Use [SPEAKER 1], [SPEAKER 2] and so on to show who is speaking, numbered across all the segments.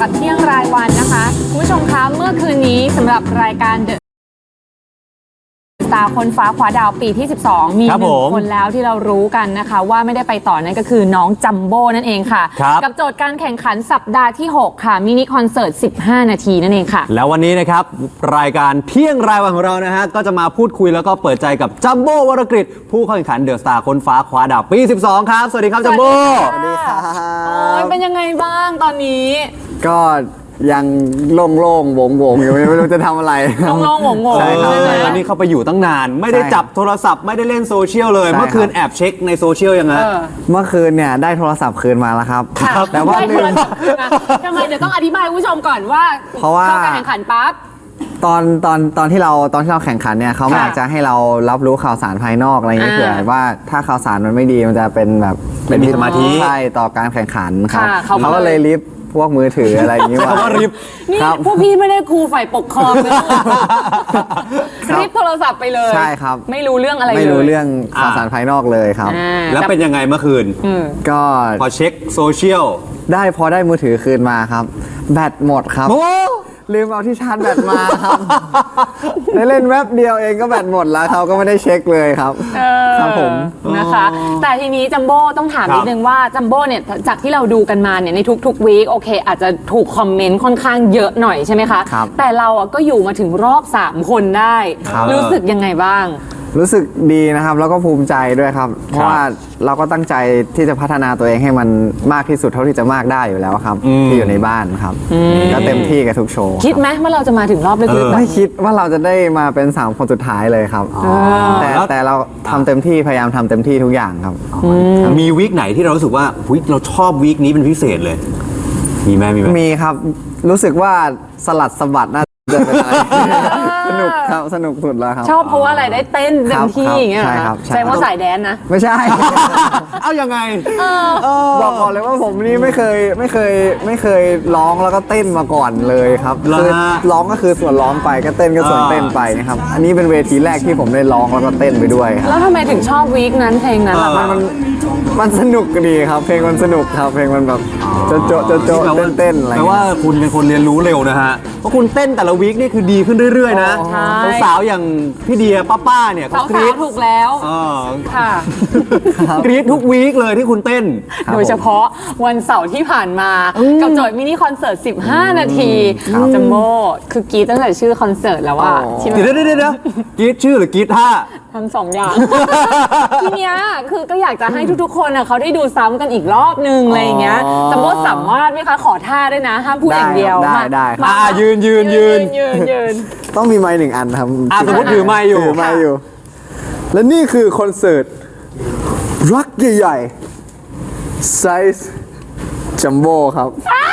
[SPEAKER 1] กับเที่ยงรายวันนะคะคุณผู้ชมคะเมื่อคืนนี้สำหรับรายการเดอะสตาร์คนฟ้าคว้าดาวปีที่ 12 มีหนึ่งคนแล้วที่เรารู้กันนะคะว่าไม่ได้ไปต่อนั่นก็คือน้องจัมโบ้นั่นเองค่ะกับโจทย์การแข่งขันสัปดาห์ที่ 6 ค่ะมินิคอนเสิร์ต 15 นาทีนั่นเองค่ะ
[SPEAKER 2] แล้ววันนี้นะครับรายการเที่ยงรายวันของเรานะฮะก็จะมาพูดคุยแล้วก็เปิดใจกับจัมโบ้วรกฤษผู้เข้าแข่งขันเดอะสตาร์คนฟ้าคว้าดาวปี 12 ครับสวัสดีครับจัมโบ้
[SPEAKER 1] สวัสดีค่ะเป็นยังไงบ้างตอนนี้
[SPEAKER 3] ก็ยังโล่งๆโวงๆอยู่ไม่รู้จะทำอะไร
[SPEAKER 1] โล่งๆโวงๆ
[SPEAKER 2] ใช่ครับวันนี้เข้าไปอยู่ตั้งนานไม่ได้จับโทรศัพท์ไม่ได้เล่นโซเชียลเลยเมื่อคืนแอบเช็คในโซเชียลยังไง
[SPEAKER 3] เมื่อคืนเนี่ยได้โทรศัพท์คืนมาแล้วครับแต่ว่าลืม
[SPEAKER 1] ทำไมเดี๋ยวต้องอธิบายผู้ชมก่อนว่า
[SPEAKER 3] เพราะว่า
[SPEAKER 1] เข้าการแข่งขันปั๊บ
[SPEAKER 3] ตอนที่เราแข่งขันเนี่ยเขาไม่อยากจะให้เรารับรู้ข่าวสารภายนอกอะไรอย่างเงี้ยเผื่อว่าถ้าข่าวสารมันไม่ดีมันจะเป็นแบบ
[SPEAKER 2] เป็นสมาธิ
[SPEAKER 3] ใช่ต่อการแข่งขันครับเขาก็เลยลิฟพวกมือถืออะไรอย่างเงี้ย
[SPEAKER 2] ว่าริบ
[SPEAKER 1] นี่พวกพี่ไม่ได้ครูฝ่ายปกครองนะริบโทรศัพท์ไปเลย
[SPEAKER 3] ใช่ครับ
[SPEAKER 1] ไม่รู้เรื่องอะไรเลย
[SPEAKER 3] ไม่รู้เรื่องข่าวสารภายนอกเลยครับ
[SPEAKER 2] แล้วเป็นยังไงเมื่อคืน
[SPEAKER 3] ก็
[SPEAKER 2] พอเช็คโซเชียล
[SPEAKER 3] พอได้มือถือคืนมาครับแบตหมดครับลืมเอาที่ชาร์จแบตมาครับได้เล่นแวบเดียวเองก็แบตหมดแล้วเขาก็ไม่ได้เช็คเลยครับครับผม
[SPEAKER 1] นะคะแต่ทีนี้จัมโบ้ต้องถามนิดนึงว่าจัมโบ้เนี่ยจากที่เราดูกันมาเนี่ยในทุกวีคโอเคอาจจะถูกคอมเมนต์ค่อนข้างเยอะหน่อยใช่ไหมคะแต่เราก็อยู่มาถึงรอบ3คนได้รู้สึกยังไงบ้าง
[SPEAKER 3] รู้สึกดีนะครับแล้วก็ภูมิใจด้วยครับเพราะว่าเราก็ตั้งใจที่จะพัฒนาตัวเองให้มันมากที่สุดเท่าที่จะมากได้อยู่แล้วครับที่อยู่ในบ้านครับก็เต็มที่กับทุกโชว์
[SPEAKER 1] คิดไหมว่าเราจะมาถึงรอบลึก
[SPEAKER 3] ๆไม่คิดว่าเราจะได้มาเป็น3คนสุดท้ายเลยครับแต่เราทำเต็มที่พยายามทำเต็มที่ทุกอย่างครับ
[SPEAKER 2] มีวีคไหนที่เรารู้สึกว่าเราชอบวีคนี้เป็นพิเศษเลยมีไหม
[SPEAKER 3] มีครับรู้สึกว่าสลัดสะบัดน่าจะเป็นอะไรสนุกครับสนุกสุดแล้วครับ
[SPEAKER 1] ชอบเพราะว่าอะไรได้เต้นเต็มที่อย่างเงี้ย
[SPEAKER 3] ใช่ครับ
[SPEAKER 1] ใช่เพราะสายแดนนะ
[SPEAKER 3] ไม่ใช่
[SPEAKER 2] เอายังไง
[SPEAKER 3] บอกก่อนเลยว่าผมนี่ไม่เคยร้องแล้วก็เต้นมาก่อนเลยครับคือร้องก็คือส่วนร้องไปก็เต้นก็ส่วนเต้นไปนะครับอันนี้เป็นเวทีแรกที่ผมได้ร้องแล้วก็เต้นไปด้วยครับ
[SPEAKER 1] แล้วทำไมถึงชอบวีคนั้นเพลงนั้น
[SPEAKER 3] มันสนุกดีครับเพลงมันสนุกครับเพลงมันแบบโจ๊ะเต้นอะไร
[SPEAKER 2] แปลว่าคุณเป็นคนเรียนรู้เร็วนะฮะเพราะคุณเต้นแต่ละวีคนี่คือดีขึ้นเรื่อยๆนะสาวอย่างพี่เดียป้าเนี่ย
[SPEAKER 1] เขากรี๊ดถูกแล้วค่ะ
[SPEAKER 2] กรี๊ดทุกวีคเลยที่คุณเต้น
[SPEAKER 1] โดยเฉพาะวันเสาร์ที่ผ่านมากับโจทย์มินิคอนเสิร์ต15 นาทีจัมโบ้คือกรี๊ดตั้งแต่ชื่อคอนเสิร์ตแล้วว่า
[SPEAKER 2] เดี๋ยวกรี๊ดชื่อหรือกรี๊ดท่า
[SPEAKER 1] ทั้ง2 อย่างทีเนี้ยคือก็อยากจะให้ทุกๆคนเขาได้ดูซ้ำกันอีกรอบนึงอะไรอย่างเงี้ยจัมโบ้สามารถไหมคะขอท่าด้วยนะห้ามพูดอย่างเดียว
[SPEAKER 3] ได้
[SPEAKER 2] ยืน
[SPEAKER 3] ต้องมีไมค์1 อันครับ
[SPEAKER 2] สมมติถือไมค์อยู่
[SPEAKER 3] และนี่คือคอนเสิร์ตรักใหญ่ๆไซส์จัมโบ้ครับ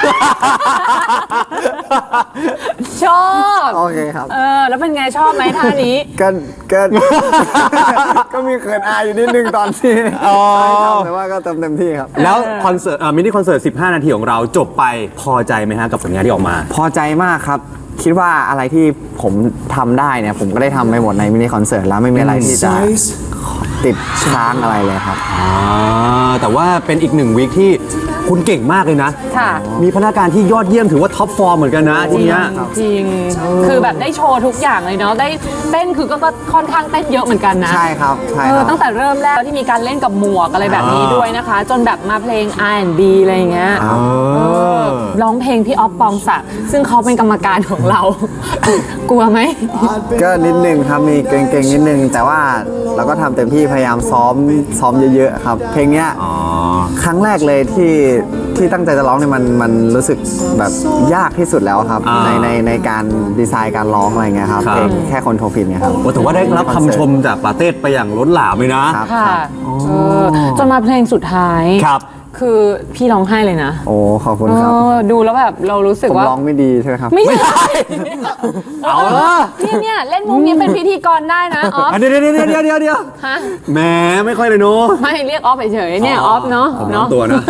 [SPEAKER 1] ชอบ
[SPEAKER 3] โอเคครับ
[SPEAKER 1] แล้วเป็นไงชอบไหมท่านี้
[SPEAKER 3] ก็มีเขินอายอยู่นิดนึงตอนที่แต่ว่าก็เต็มที่ครับ
[SPEAKER 2] แล้วคอนเสิร์ตมินิคอนเสิร์ต15 นาทีของเราจบไปพอใจไหมฮะกับผลงานที่ออกมา
[SPEAKER 3] พอใจมากครับคิดว่าอะไรที่ผมทำได้เนี่ยผมก็ได้ทำไปหมดในมินิคอนเสิร์ตแล้วไม่มีอะไรที่จะติดค้างอะไรเลยครับ
[SPEAKER 2] แต่ว่าเป็นอีก1 วีคที่คุณเก่งมากเลยนะมีพนักงานที่ยอดเยี่ยมถือว่าท็อปฟอร์มเหมือนกันนะทีนี้
[SPEAKER 1] จริงคือแบบได้โชว์ทุกอย่างเลยเนาะได้เต้นคือก็ค่อนข้างเต้นเยอะเหมือนกันนะ
[SPEAKER 3] ใช่ครับ
[SPEAKER 1] ตั้งแต่เริ่มแรกที่มีการเล่นกับหมวกอะไรแบบนี้ด้วยนะคะจนแบบมาเพลง R&B อะไรอย่างเงี้ยร้องเพลงพี่อ๊อฟปองศักดิ์ซึ่งเขาเป็นกรรมการของเรากลัวไหม
[SPEAKER 3] ก็นิดนึงครับมีเก่งๆนิดนึงแต่ว่าเราก็ทำเต็มที่พยายามซ้อมเยอะๆครับเพลงเนี้ยครั้งแรกเลยที่ตั้งใจจะร้องเนี่ยมันรู้สึกแบบยากที่สุดแล้วครับในการดีไซน์การร้องอะไรเงี้ยครับเพลงแค่คนโทรฟินเนี่ยครับ
[SPEAKER 2] แต่ว่าได้รับคำชมจากปาเต้ไปอย่างล้นหลามเลยนะ
[SPEAKER 1] จนมาเพลงสุดท้ายคือพี่ร้องไห้เลยนะ
[SPEAKER 3] โอ้ขอบคุณครับ
[SPEAKER 1] ดูแล้วแบบเรารู้สึกว่า
[SPEAKER 3] ร้องไม่ดีใช่ไหมครับ
[SPEAKER 1] ไม่ใช่เอาเนี่ยเล่นมุกนี้เป็นพิธีกรได้นะออฟ
[SPEAKER 2] เดี๋ยวฮะแหมไม่ค่อยเลยเนาะ
[SPEAKER 1] ไม่เรียกออฟเฉยๆเนี่ยออฟเนาะ
[SPEAKER 2] ตัวนะ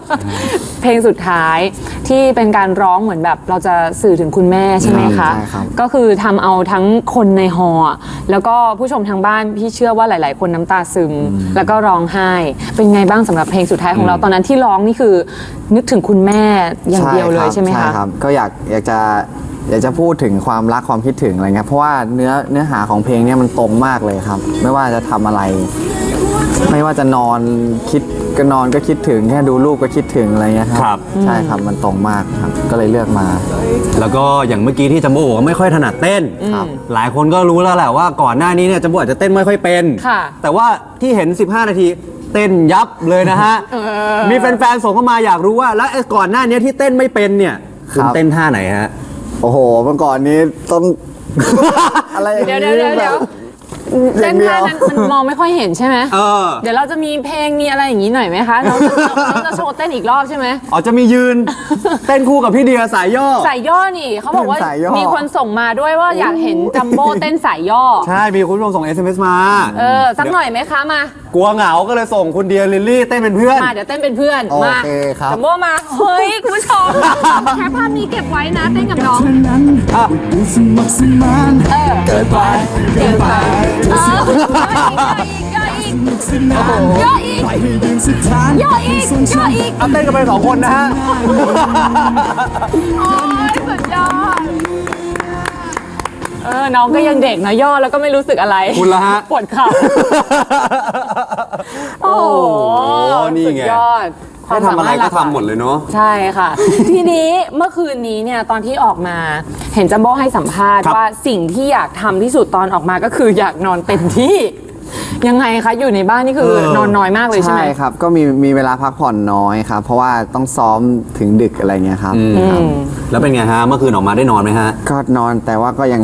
[SPEAKER 1] เพลงสุดท้ายที่เป็นการร้องเหมือนแบบเราจะสื่อถึงคุณแม่ใช่ไหมคะ
[SPEAKER 3] ใช่ครับ
[SPEAKER 1] ก็คือทำเอาทั้งคนในฮอลล์แล้วก็ผู้ชมทางบ้านพี่เชื่อว่าหลาย ๆ คนน้ำตาซึม แล้วก็ร้องไห้ เป็นไงบ้างสำหรับเพลงสุดท้ายของเราตอนนั้นที่ร้องนี่คือนึกถึงคุณแม่อย่างเดียวเลยใช่ไหม
[SPEAKER 3] ใช่
[SPEAKER 1] คะ
[SPEAKER 3] ครับก็อยากจะพูดถึงความรักความคิดถึงอะไรเงี้ยเพราะว่าเนื้อหาของเพลงเนี่ยมันตรงมากเลยครับ ไม่ว่าจะทำอะไร ไม่ว่าจะนอนคิดก็คิดถึงแค่ดูรูปก็คิดถึงอะไรเงี้ยครับใช่ครับมันตรงมากครับก็เลยเลือกมา
[SPEAKER 2] แล้วก็อย่างเมื่อกี้ที่จัมโบ้บอกว่าไม่ค่อยถนัดเต้น
[SPEAKER 3] ครับ
[SPEAKER 2] หลายคนก็รู้แล้วแหละว่าก่อนหน้านี้เนี่ยจัมโบ้อาจจะเต้นไม่ค่อยเป็น
[SPEAKER 1] ค่ะ
[SPEAKER 2] แต่ว่าที่เห็น 15 นาทีเต้นยับเลยนะฮะ มีแฟนๆส่งเข้ามาอยากรู้ว่าแล้วไอ้ก่อนหน้านี้ที่เต้นไม่เป็นเนี่ยคุณเต้นท่าไหนฮะ
[SPEAKER 3] โอ้โหเมื่อก่อนนี้ต้อง อะไรอย่าง
[SPEAKER 1] เดี๋ยว
[SPEAKER 3] นี้
[SPEAKER 1] เดี๋ยว
[SPEAKER 3] แบบ
[SPEAKER 1] เต้นท่านั้นมันมองไม่ค่อยเห็นใช่ไหม
[SPEAKER 2] เออ
[SPEAKER 1] เดี๋ยวเราจะมีเพลงมีอะไรอย่างนี้หน่อยไหมคะเราจะโชว์เต้นอีกรอบใช่ไหม
[SPEAKER 2] อ๋อจะมียืน เต้นคู่กับพี่เดียสายย่อ
[SPEAKER 1] สายย่อนี่เขาบอกว่า
[SPEAKER 3] สายย่อ
[SPEAKER 1] มีคนส่งมาด้วยว่าอยากเห็นจัมโบ้เต้นสายย่อ
[SPEAKER 2] ใช่ มีคุณผู้ชมส่ง SMS มา
[SPEAKER 1] สักหน่อยไหมคะมา
[SPEAKER 2] กลัวเหงาก็เลยส่งคุณเดียลิลลี่เต้นเป็นเพื่อน
[SPEAKER 1] มาเดี๋ยวเต้นเป็นเพื่อน
[SPEAKER 3] โอ
[SPEAKER 1] มา
[SPEAKER 3] เคครับ
[SPEAKER 1] จัมโบ้มาเฮ้ยคุณผู้ชมแคปภาพนี้เก็บไว้นะเต้นกับน้อง
[SPEAKER 2] อ่ะ
[SPEAKER 1] เกิดไปเกิดไปย่ออีกย่ออีกย่ออีกย่ออีก
[SPEAKER 2] เอาเต้นกันไป2 คนนะฮะ
[SPEAKER 1] โอ้ยสุดยอดน้องก็ยังเด็กนะย่อแล้วก็ไม่รู้สึกอะไร
[SPEAKER 2] คุณละฮะ
[SPEAKER 1] ปวดเข่าโอ้โห
[SPEAKER 2] นี่ไง
[SPEAKER 1] สุดยอด
[SPEAKER 2] ให้ทำอะไรก็ทำหมดเลยเนาะ
[SPEAKER 1] ใช่ค่ะ ทีนี้เมื่อคืนนี้เนี่ยตอนที่ออกมาเห็นจัมโบ้ให้สัมภาษณ์
[SPEAKER 2] ครับ
[SPEAKER 1] ว่าสิ่งที่อยากทำที่สุดตอนออกมาก็คืออยากนอนเต็มที่ ยังไงคะอยู่ในบ้านนี่คือนอนน้อยมากเลยใช่ไหม
[SPEAKER 3] ใช่ครับก็มีเวลาพักผ่อนน้อยครับ เพราะว่าต้องซ้อมถึงดึกอะไรเงี้ยครับครับ
[SPEAKER 2] แล้วเป็นไงฮะ เมื่อคืนออกมาได้นอนไหมฮะ
[SPEAKER 3] ก็นอนแต่ว่าก็ยัง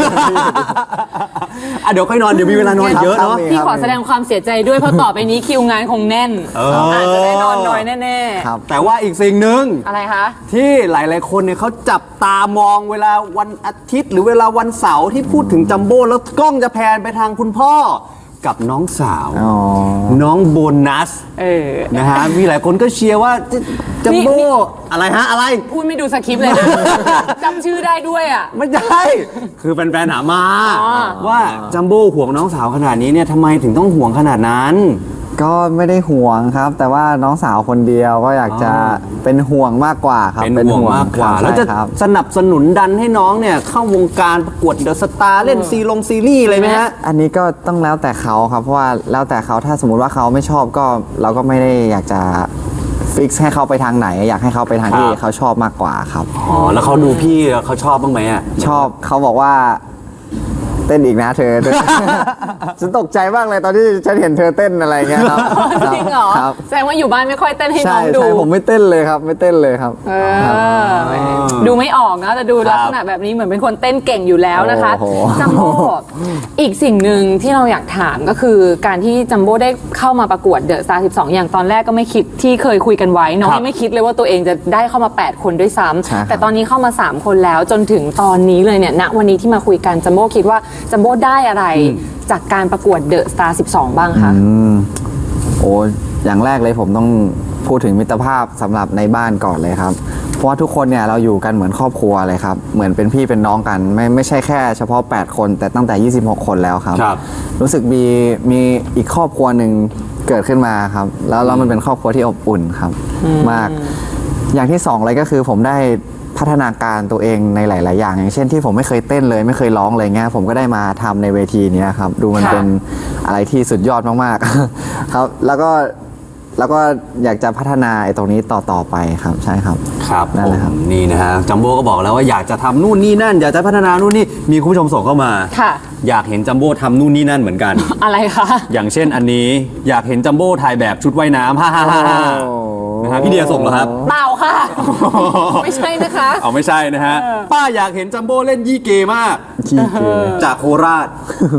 [SPEAKER 2] อ่ะเดี๋ยวค่อยนอน เดี๋ยวมีเวลานอนอีกเยอะเนาะ
[SPEAKER 3] ครับ
[SPEAKER 1] พี่ขอแสดงความเสียใจด้วยเพราะต่อไปนี้คิวงานคงแน่น อาจจะได้นอนน้อยแน่
[SPEAKER 3] ครับ
[SPEAKER 2] แต่ว่าอีกสิ่งหนึ่ง
[SPEAKER 1] ๆอะไรคะ
[SPEAKER 2] ที่หลายๆคนเนี่ยเขาจับตามองเวลาวันอาทิตย์ หรือเวลาวันเสาร์ที่พูดถึงจัมโบ้แล้วกล้องจะแพนไปทางคุณพ่อกับน้องสาว
[SPEAKER 3] อ๋อ
[SPEAKER 2] น้องโบนัส นะฮะ มีหลายคนก็เชียร์ว่าจัมโบ้อะไรฮะ อะไร
[SPEAKER 1] พูดไม่ดูสคริปต์เลยนะ จำชื่อได้ด้วยอ่ะ
[SPEAKER 2] ไม่ใช่ คือแฟนๆถามมา
[SPEAKER 1] อ๋อ
[SPEAKER 2] ว่าจัมโบ้ห่วงน้องสาวขนาดนี้เนี่ยทำไมถึงต้องห่วงขนาดนั้น
[SPEAKER 3] ก็ไม่ได้ห่วงครับ แต่ว่าน้องสาวคนเดียวก็อยากจะเป็นห่วงมากกว่าครับ
[SPEAKER 2] เป็นห่วงมากกว่า
[SPEAKER 3] ครับ
[SPEAKER 2] แล้วจะ
[SPEAKER 3] ใช่ครับ
[SPEAKER 2] สนับสนุนดันให้น้องเนี่ยเข้าวงการประกวดเดอะสตาร์เล่นซีรีส์อะไรไหมฮะ
[SPEAKER 3] อันนี้ก็ต้องแล้วแต่เขาครับ เพราะว่าแล้วแต่เขาถ้าสมมุติว่าเขาไม่ชอบก็เราก็ไม่ได้อยากจะฟิกให้เขาไปทางไหน อยากให้เขาไปทางที่
[SPEAKER 2] ครับ
[SPEAKER 3] เขาชอบมากกว่าครับ
[SPEAKER 2] อ๋อ แล้วเขาดูพี่เขาชอบบ้างไหมอ่ะ
[SPEAKER 3] ชอบเขาบอกว่าเต้นอีกนะเธอ ฉันตกใจมากเลยตอนที่ฉันเห็นเธอเต้นอะไรเงี้ยครับ
[SPEAKER 1] จริงเหรอ
[SPEAKER 3] ครับ
[SPEAKER 1] แสดงว่าอยู่บ้านไม่ค่อยเต้นให้น้
[SPEAKER 3] ใช่
[SPEAKER 1] องดู
[SPEAKER 3] ใช่ผมไม่เต้นเลยครับ ไม่เต้นเลยครับ
[SPEAKER 1] ดูไม่ออกนะแต่ดูลักษณะแบบนี้เหมือนเป็นคนเต้นเก่งอยู่แล้วนะคะ
[SPEAKER 3] โอ้โห
[SPEAKER 1] จัมโบ้อีกสิ่งหนึ่งที่เราอยากถามก็คือการที่จัมโบ้ได้เข้ามาประกวดเดอะสตาร์12 อย่างตอนแรกก็ไม่คิดที่เคยคุยกันไว้น้อง
[SPEAKER 2] ครับ
[SPEAKER 1] ยังไม่คิดเลยว่าตัวเองจะได้เข้ามา 8 คนด้วยซ้
[SPEAKER 3] ใช่ครับ
[SPEAKER 1] ำแต่ตอนนี้เข้ามา 3 คนแล้วจนถึงตอนนี้เลยเนี่ยณวันนี้ที่มาคุยกันจัมโบ้คิดว่าจัมโบ้ได้อะไรจากการประกวดเดอะสตาร์12 บ้างคะ
[SPEAKER 3] โอ้อย่างแรกเลยผมต้องพูดถึงมิตรภาพสำหรับในบ้านก่อนเลยครับ เพราะว่าทุกคนเนี่ยเราอยู่กันเหมือนครอบครัวเลยครับ เหมือนเป็นพี่เป็นน้องกัน ไม่ใช่แค่เฉพาะ 8 คนแต่ตั้งแต่ 26 คนแล้วครับ
[SPEAKER 2] ครับ
[SPEAKER 3] รู้สึกมีอีกครอบครัวหนึ่งเกิดขึ้นมาครับ แล้วมันเป็นครอบครัวที่อบอุ่นครับ มาก อย่างที่สองเลยก็คือผมได้พัฒนาการตัวเองในหลาย ๆ อย่าง อย่างเช่นที่ผมไม่เคยเต้นเลยไม่เคยร้องเลยเงี้ยผมก็ได้มาทำในเวทีเนี้ยครับดูมัน
[SPEAKER 1] ค่ะ
[SPEAKER 3] เป็นอะไรที่สุดยอดมาก ๆ ครับแล้วก็อยากจะพัฒนาไอ้ตรงนี้ต่อไปครับใช่ครับ
[SPEAKER 2] ครับ
[SPEAKER 3] นั่นแหละครับ
[SPEAKER 2] ผมนี่นะฮะจัมโบ้ก็บอกแล้วว่าอยากจะทำนู่นนี่นั่น อยากจะพัฒนานู่นนี่มีคุณผู้ชมส่งเข้ามา
[SPEAKER 1] ค่ะ
[SPEAKER 2] อยากเห็นจัมโบ้ทำนู่นนี่นั่นเหมือนกัน
[SPEAKER 1] อะไรคะ
[SPEAKER 2] อย่างเช่นอันนี้อยากเห็นจัมโบ้ถ่ายแบบชุดว่ายน้ำฮ่าฮ่าฮ่าฮ่านะฮะพี่เดียส่งเหรอครับ
[SPEAKER 1] เปล่าค่ะ ไม่ใช่นะคะ
[SPEAKER 2] เอาไม่ใช่นะฮะป้าอยากเห็นจัมโบ้เล่นยี่เกมาก
[SPEAKER 3] ขี้เกียจ
[SPEAKER 2] จากโคราช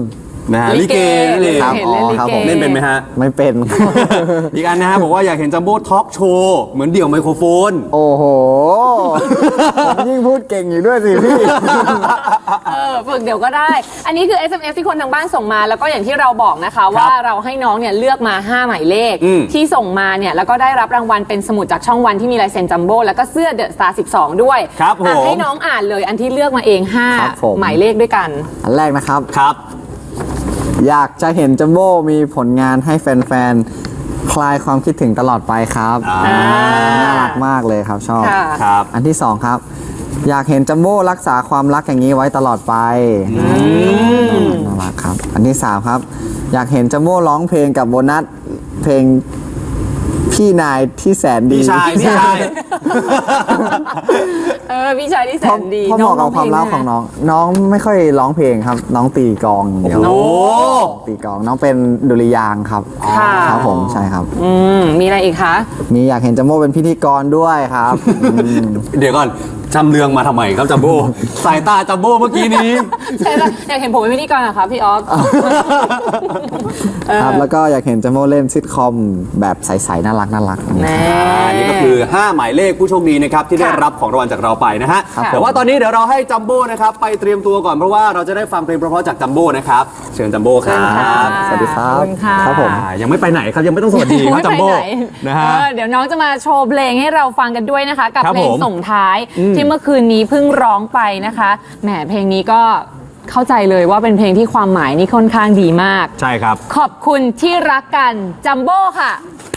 [SPEAKER 2] นะฮะลิเกนั่นเอง
[SPEAKER 3] ครับ
[SPEAKER 1] เห็นเล่นลิ
[SPEAKER 3] ครับ
[SPEAKER 1] เก
[SPEAKER 3] ผม
[SPEAKER 2] เล่นเป็นไหมฮะ
[SPEAKER 3] ไม่เป็น
[SPEAKER 2] อีกอันนะฮะบอกว่าอยากเห็นจัมโบ้ทอล์กโชว์เหมือนเดี่ยวไมโครโฟน
[SPEAKER 3] โอ้โห ผมยิ่งพูดเก่งอยู่ด้วยสิพี่
[SPEAKER 1] ฝึกเดี๋ยวก็ได้ อันนี้คือ SMS ที่คนทางบ้านส่งมาแล้วก็อย่างที่เราบอกนะคะว่าเราให้น้องเนี่ยเลือกมา 5 หมายเลข ที่ส่งมาเนี่ยแล้วก็ได้รับรางวัลเป็นสมุดจากช่องวันที่มีลายเซ็นจัมโบ้แล้วก็เสื้อเดอะสตาร์12 ด้วย
[SPEAKER 2] ครับผม
[SPEAKER 1] ให้น้องอ่านเลยอันที่เลือกมาเอง
[SPEAKER 3] ครับผม
[SPEAKER 1] 5 หมายเลขด้วยกัน
[SPEAKER 3] อันแรกนะครับ
[SPEAKER 2] ครับ
[SPEAKER 3] อยากจะเห็นจัมโบ้มีผลงานให้แฟนๆ คลายความคิดถึงตลอดไปครับน่ารักมากเลยครับชอบ
[SPEAKER 1] ค่ะ
[SPEAKER 2] ครับ
[SPEAKER 3] อันที่สองครับ อยากเห็นจัมโบ้รักษาความรักอย่างนี้ไว้ตลอดไปน่ารักครับ อันที่สามครับ อยากเห็นจัมโบ้ร้องเพลงกับโบนัสเพลงพี่นายที่แสนดี
[SPEAKER 2] พี่ชาย
[SPEAKER 1] พี่ชาย พี่ชายที่แสนดี
[SPEAKER 3] เพราะเหมาะกับความรักของน้อง น้องไม่ค่อยร้องเพลงครับ น้องตีกลองอย่างเดียว
[SPEAKER 2] โอ้
[SPEAKER 3] ตีกลองน้องเป็นดุริยางค์ครับ
[SPEAKER 1] ค่ะ
[SPEAKER 3] ครับผมใช่ครับ
[SPEAKER 1] มีอะไรอีกคะ
[SPEAKER 3] มีอยากเห็นจัมโบ้เป็นพิธีกรด้วยครับ
[SPEAKER 2] เดี๋ยวก่อนจำเรืองมาทำไมครับจัมโบ้สายตาจัมโบ้เมื่อกี้นี้
[SPEAKER 1] ใช่ปะอยากเห็นผมเป็นพิธีกรเหรอคะพี่ออฟ
[SPEAKER 3] ครับแล้วก็อยากเห็นจัมโบ้เล่นซิทคอมแบบใสๆน่ารักอย่างเงี้ย
[SPEAKER 1] แน่
[SPEAKER 2] นี่ก็คือ 5 หมายเลขผู้โชคดีนะครับที่ได้รับของรางวัลจากเราไปนะฮะ
[SPEAKER 1] ครับ
[SPEAKER 2] แต่ว่าตอนนี้เดี๋ยวเราให้จัมโบ้นะครับไปเตรียมตัวก่อนเพราะว่าเราจะได้ฟังเพลงเพราะๆจากจัมโบ้นะครับเชิญจัมโบ้ค
[SPEAKER 1] เชิ
[SPEAKER 2] รั
[SPEAKER 1] ญค่ะ
[SPEAKER 2] บ
[SPEAKER 3] สวัสดีครับ
[SPEAKER 1] ขอบคุณค่ะ
[SPEAKER 3] ครับผม
[SPEAKER 2] ยังไม่ไปไหนครับยังไม่ต้องสวัสดีครับจัมโบ้
[SPEAKER 1] ไม่ไปไห
[SPEAKER 2] นะฮะ
[SPEAKER 1] เดี๋ยวน้องจะมาโชว์เพลงให้เราฟังกันด้วยนะคะ กับ
[SPEAKER 2] ครับ
[SPEAKER 1] เพลง
[SPEAKER 2] ผม
[SPEAKER 1] ส่งท้ายที่เมื่อคืนนี้เพิ่งร้องไปนะคะแหมเพลงนี้ก็เข้าใจเลยว่าเป็นเพลงที่ความหมายนี่ค่อนข้างดีมาก
[SPEAKER 2] ใช่ครับ
[SPEAKER 1] ขอบคุณที่รักกันจัมโบ้ค่ะ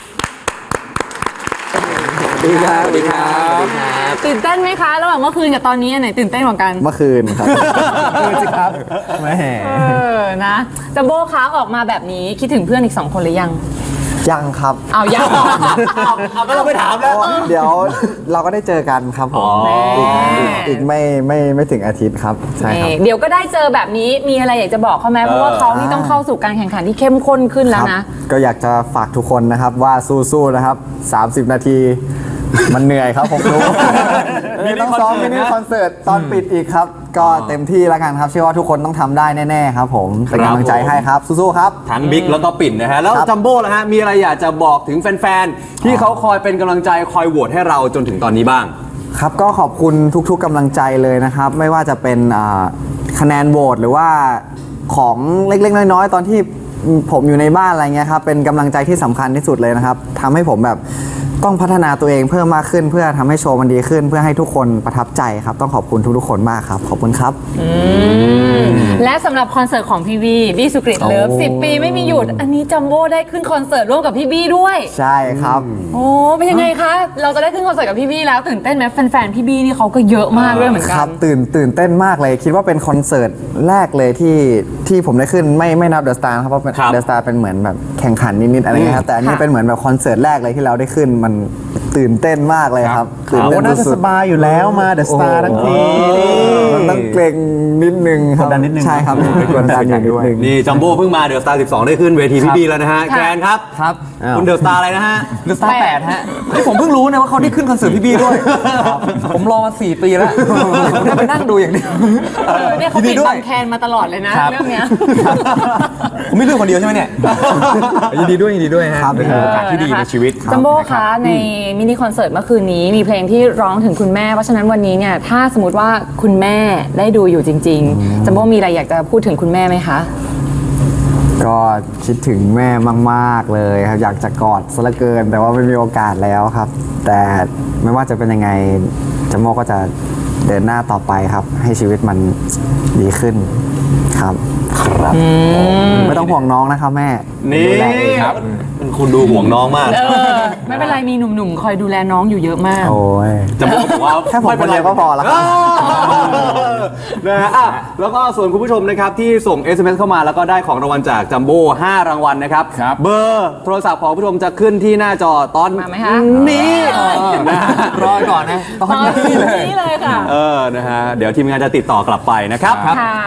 [SPEAKER 3] สวัสดีครับ
[SPEAKER 2] สวัสดีครับสวัสดีครับ
[SPEAKER 1] ตื่นเต้นไหมคะระหว่างเมื่อคืนกับตอนนี้อันไหนตื่นเต้นกว่ากัน
[SPEAKER 3] เมื่อคืนครับสิครับแม่
[SPEAKER 1] นะจัมโบ้คะออกมาแบบนี้คิดถึงเพื่อนอีก 2 คนหรือยัง
[SPEAKER 3] ยังครับ
[SPEAKER 1] เอายัง
[SPEAKER 2] เอาก็เราไปถามแล้ว
[SPEAKER 3] เดี๋ยวเราก็ได้เจอกันครับผม
[SPEAKER 2] อ๋อ
[SPEAKER 3] อีกไม่ถึงอาทิตย์ครับใช่ครับ
[SPEAKER 1] เดี๋ยวก็ได้เจอแบบนี้มีอะไรอยากจะบอกเขาไหมเพราะว่าเขานี่ต้องเข้าสู่การแข่งขันที่เข้มข้นขึ้นแล้วนะ
[SPEAKER 3] ครับก็อยากจะฝากทุกคนนะครับว่าสู้ๆนะครับ 30 นาที มันเหนื่อยครับผมรู้ มีต้องซ้อมมินิคอนเสิร์ตตอนปิดอีกครับ ก็เต็มที่แล้วกันครับเชื่อว่าทุกคนต้องทำได้แน่ๆครับผมเป็นกำลังใจให้ครับสู้ๆครับ
[SPEAKER 2] ทั้งบิ๊กแล้วก็ปิ่นนะฮะแล้ว
[SPEAKER 3] ครับ
[SPEAKER 2] จัมโบ้ล่ะฮะมีอะไรอยากจะบอกถึงแฟนๆที่เขาคอยเป็นกำลังใจคอยโหวตให้เราจนถึงตอนนี้บ้าง
[SPEAKER 3] ครับก็ขอบคุณทุกๆกำลังใจเลยนะครับ ไม่ว่าจะเป็นคะแนนโหวตหรือว่าของเล็กๆน้อยๆตอนที่ผมอยู่ในบ้านอะไรเงี้ยครับเป็นกำลังใจที่สำคัญที่สุดเลยนะครับทำให้ผมแบบต้องพัฒนาตัวเองเพิ่มมากขึ้น เพื่อทำให้โชว์มันดีขึ้น เพื่อให้ทุกคนประทับใจครับต้องขอบคุณทุกๆคนมากครับขอบคุณครับ
[SPEAKER 1] และสำหรับคอนเสิร์ตของพี่บี้สุกริตเลิฟ
[SPEAKER 3] โอ้
[SPEAKER 1] 10 ปีไม่มีหยุด อันนี้จัมโบ้ได้ขึ้นคอนเสิร์ตร่วมกับพี่บี้ด้วย
[SPEAKER 3] ใช่ครับ
[SPEAKER 1] โอ้เป็นยังไงคะ เราจะได้ขึ้นคอนเสิร์ตกับพี่บี้แล้วตื่นเต้นไหมแฟนๆพี่บี้นี่เขาก็เยอะมากด้วยเหมือน
[SPEAKER 3] ค
[SPEAKER 1] กั
[SPEAKER 3] รั
[SPEAKER 1] น
[SPEAKER 3] บตื่นเต้นมากเลย คิดว่าเป็นคอนเสิร์ตแรกเลยที่ผมได้ขึ้นไม่นับเดอะสตาร์ครับเพราะ
[SPEAKER 2] ครับ
[SPEAKER 3] เดอะสตาร์เป็นเหมือนแบบแข่งขันนิดๆอะไรเงี้ยครับแต่อันนี้
[SPEAKER 1] ค่ะ
[SPEAKER 3] เป็นเหมือนแบบคอนเสิร์ตแรกเลยที่เราได้ขึ้นมันตื่นเต้นมากเลยครับตื่น
[SPEAKER 4] เอา
[SPEAKER 3] เต้น
[SPEAKER 4] น่าจะ
[SPEAKER 3] สุ
[SPEAKER 4] ส
[SPEAKER 3] ด
[SPEAKER 4] บายอยู่แล้วมาเดอะสตาร์ทั้งที
[SPEAKER 3] ๆมันต้องเกรงนิดนึงครับ
[SPEAKER 4] กดดันนิดนึง
[SPEAKER 3] ใช่ครับเป็นกดดันอยู่ด้วย
[SPEAKER 2] นี่จัมโบ้เพิ่งมาเดอะสตาร์12 ได้ขึ้นเวทีพี่บี้แล้วนะฮะ
[SPEAKER 1] ค่ะ
[SPEAKER 2] แกรนครับ
[SPEAKER 4] ครับ
[SPEAKER 2] คุณเดอะสตาร์อะไรนะฮะ
[SPEAKER 4] เดอะสตาร์8ฮะนี่ผมเพิ่งรู้นะว่าเขาได้ขึ้นคอนเสิร์ตพี่บี้ด้วย ผมรอมา 4 ปีแล้วผมได้ไปนั่งดูอย่างเดียว
[SPEAKER 1] เนี่ยเขา
[SPEAKER 4] ยิ
[SPEAKER 1] ปิ
[SPEAKER 4] น
[SPEAKER 1] ด
[SPEAKER 4] ดีด้วย
[SPEAKER 1] บังแคนมาตลอดเลยนะครับ เรื่องเนี้ย
[SPEAKER 4] ผมไม่เลือกคนเดียวใช่ไหมเนี่ยยินดีด้วยฮะ
[SPEAKER 3] ครับ
[SPEAKER 4] เป็นโอกาสที่ดีในชีวิต
[SPEAKER 1] จัมโบ้คะในมินิคอนเสิร์ตเมื่อคืนนี้มีเพลงที่ร้องถึงคุณแม่ เพราะฉะนั้นวันนี้เนี่ยถ้าสมมติว่าคุณแม่ได้ดูอยู่จริงๆจัมโบ้มีอะไรอยากจะพูดถึงคุณแม่ไหมคะ
[SPEAKER 3] ก็คิดถึงแม่มากๆเลยครับอยากจะกอดซะเหลือเกิน แต่ว่าไม่มีโอกาสแล้วครับ แต่ไม่ว่าจะเป็นยังไงจัมโบ้ก็จะเดินหน้าต่อไปครับ ให้ชีวิตมันดีขึ้นครับครับไม่ต้องห่วงน้องนะครับแม่
[SPEAKER 2] นี่
[SPEAKER 3] ดูแลเอง
[SPEAKER 2] ครับคุณดูห่วงน้องมาก
[SPEAKER 1] ไม่เป็นไรมีหนุ่มๆ คอยดูแลน้องอยู่เยอะมาก
[SPEAKER 3] โอ้ย
[SPEAKER 2] จัมโบ้บอกว่า
[SPEAKER 3] แค่ผมคนเดียวก็พอแล้วครับ
[SPEAKER 2] นะฮะอ่ะแล้วก็ส่วนคุณผู้ชมนะครับที่ส่ง SMS เข้ามาแล้วก็ได้ของรางวัลจากจัมโบ้5 รางวัลนะครับ
[SPEAKER 4] ครับ
[SPEAKER 2] เบอร์โทรศัพท์ของผู้ชมจะขึ้นที่หน้าจอตอน
[SPEAKER 1] มาไหมคะ
[SPEAKER 2] นี้นะฮะ
[SPEAKER 4] รอก่อนนะตอนนี้เลย
[SPEAKER 1] นี่เลยค่ะ
[SPEAKER 2] นะฮะเดี๋ยวทีมงานจะติดต่อกลับไปนะครับ
[SPEAKER 1] ค่ะ
[SPEAKER 4] ครับ
[SPEAKER 1] อ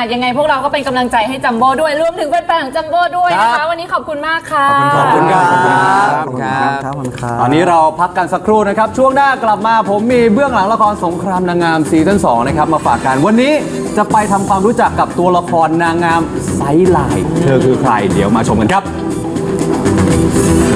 [SPEAKER 1] ยังไงพวกเราก็เป็นกำลังใจให้จัมโบ้ด้วยรวมถึงแฟนๆของจัมโบ้ด้วยนะ
[SPEAKER 2] ครั
[SPEAKER 1] คะ
[SPEAKER 2] บ
[SPEAKER 1] วันนี้ขอบคุณมากค่ะ
[SPEAKER 2] ขอบคุณครับ
[SPEAKER 3] ขอบคุณครับขอบคุณครับ
[SPEAKER 2] ตอนนี้เราพักกันสักครู่นะครับ ช่วงหน้ากลับมาผมมีเบื้องหลังละครสงครามนางงามซีซั่น2นะครับมาฝากกันวันนี้จะไปทำความรู้จักกับตัวละครนางงามไซส์ไลน์เธอคือใครเดี๋ยวมาชมกันครับ